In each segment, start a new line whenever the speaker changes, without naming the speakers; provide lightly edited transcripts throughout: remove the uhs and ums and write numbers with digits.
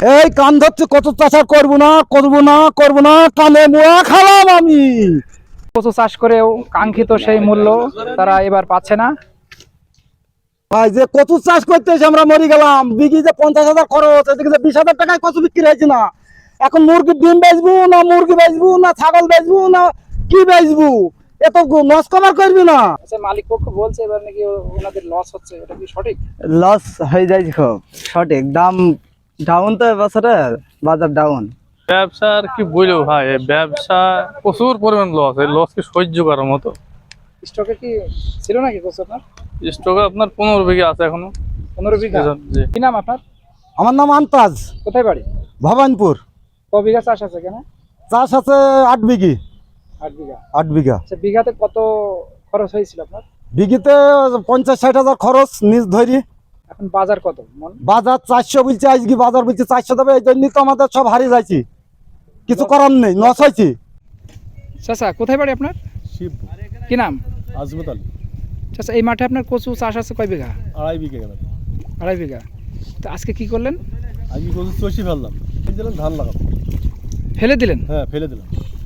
এই কান ধরছে, কত চাষা করবো না করবো না করবো না, কানে মোয়া খালাম আমি।
কচু চাষ করেও কাঙ্ক্ষিত সেই মূল্য তারা এবার পাচ্ছে না।
ভাই যে কচু চাষ করতে এসে আমরা মরে গেলাম, বিঘি যে 50,000 খরচ, এদিকে যে 20,000 টাকায় কচু বিক্রি হয়েছে না। এখন মুরগির ডিম বেচবো না, মুরগি বেচবো না, ছাগল বেচবো না, কি বেচবো? এত লস কভার করবি না।
আচ্ছা, মালিক পক্ষ বলছে এবার নাকি ওনাদের লস হচ্ছে, এটা কি সঠিক?
লস হয়ে যায় খুব, সঠিক দাম ডাউন তো এবছরে, বাজার ডাউন।
ব্যবসা আর কি বলবো ভাই, এই ব্যবসা প্রচুর পরিমাণ লস, এই লস কি সহ্য করার মতো?
স্টকে কি ছিল নাকি কচু আপনার?
স্টকে আপনার 15 বিঘা আছে এখনো।
15 বিঘা?
জি।
কি নাম আপনার?
আমার নাম আন্তাজ,
কোথায় বাড়ি?
ভবানপুর।
ক বিঘা চাষ আছে কেন?
চাষ আছে 8 বিঘি।
8 বিঘা।
8 বিঘা।
আচ্ছা, বিঘাতে কত খরচ হয়েছিল আপনার?
বিঘিতে 50-60,000 খরচ নিজ ধরি।
এখন বাজার কত মন?
বাজার 400 বলছে, আজকে বাজার বলছে 400 দেবে। এই জন্যই তো আমাদের সব হারিয়ে যাচ্ছি, কিছু করার নেই, লস হয়েছে।
চাচা কোথায় বাড়ি আপনার?
শিবপুর।
কি নাম?
আজমত আলী।
চাচা এই মাঠে আপনার কচু চাষ আছে কয় বিঘা?
2.5 বিঘা গেল।
2.5 বিঘা। তো আজকে কি করলেন?
আমি কচু চষি ফেললাম, দিলাম ধান লাগাবো।
ফেলে দিলেন?
হ্যাঁ, ফেলে দিলাম।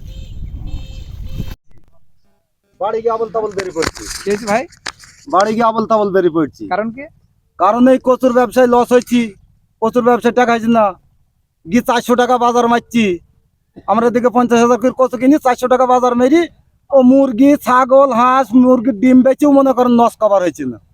বাড়ি গিয়ে আবল তাবল বেরিয়ে পড়ছি।
কি হয়েছে ভাই?
বাড়ি গিয়ে আবল তাবল বেরিয়ে পড়ছি।
কারণ কি?
কারণ এই কচুর ব্যবসায় লস হয়েছি, কচুর ব্যবসায় টাকা হয়েছে না। গিয়ে 400 টাকা বাজার মারছি। আমরা এদিকে 50,000 করে কচু কিনি, 400 টাকা বাজার মেরি ও মুরগি, ছাগল, হাঁস, মুরগির ডিম বেচেও মনে করেন লস কভার হয়েছে না।